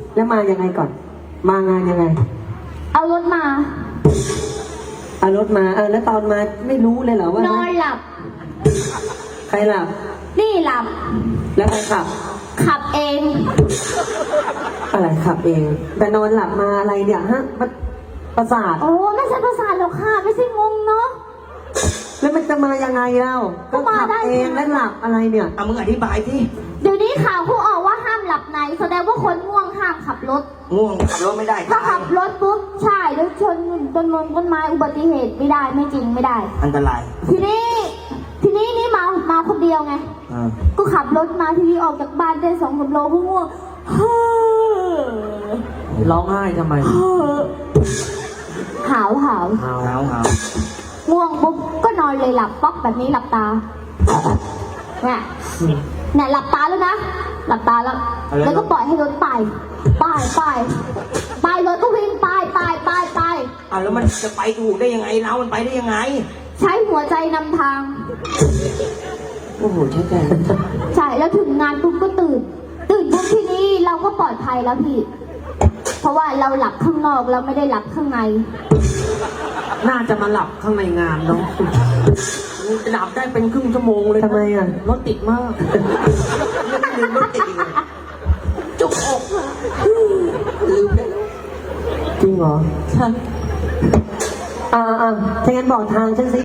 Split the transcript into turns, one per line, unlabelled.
แล้วมายังไงก่อน มางานยังไง
เอารถมา
เอารถมาแล้วตอนมาไม่รู้เลยเหรอว่าน
อนหลับ
ใครหลับ
นี่หลับ
แล้วใครขับ
ขับเอง
อะไรขับเอง แต่นอนหลับมาอะไรเนี่ยฮะมันประสาท
โอ้ไม่ใช่ประสาทหรอกค่ะไม่ใช่งงเนาะ
แล้วมันจะมายังไงเล่า
ก็มา
ขับ
ได้
เองแล้วหลับอะไรเนี่ย
เอามึงอธิบายที่
เดี๋ยวนี้ข่าวเขาออกว่าห้ามหลับในแสดงว่าคนง่วงห้ามขับรถ
ง่วงขับรถไม่ได้
ถ้า
ตาย
ขับรถปุ๊บใช่แล้วชนต้นไม้อุบัติเหตุไม่ได้ไม่จริงไม่ได้
อันตราย
ทีนี้นี่มาคนเดียวไง ก็ขับรถมาทีนี้ออกจากบ้านได้2-3 โลก็ง่วงเฮ้อ
ร้องไห้ทำไม
เฮ้อหาว
หาว
ง่วงปุ๊บก็นอนเลยหลับป๊อกแบบนี้หลับตาเนี่ยหลับตาแล้วนะหลับตาแล้วก็ปล่อยให้รถไปรถก็วิ่งไป
อ่ะแล้วมันจะไปถูกได้ยังไงเรามันไปได้ยังไง
ใช้หัวใจนำทาง
โอ้โหใช่ใจ
ใช่แล้วถึงงานปุ๊บก็ตื่นปุ๊บที่นี่เราก็ปลอดภัยแล้วพี่ เพราะว่าเราหลับข้างนอกเราไม่ได้หลับข้างใน
น่าจะมาหลับข้างในงานเนาะหลับได้เป็นครึ่งชั่วโมงเลยทำไมอ่ะรถติดมาก
ลืมรถติดอีกเลยจุกอกลืมได้แล้ว
จริงเหรอใช่ถ้างั้นบอกทางฉันสิ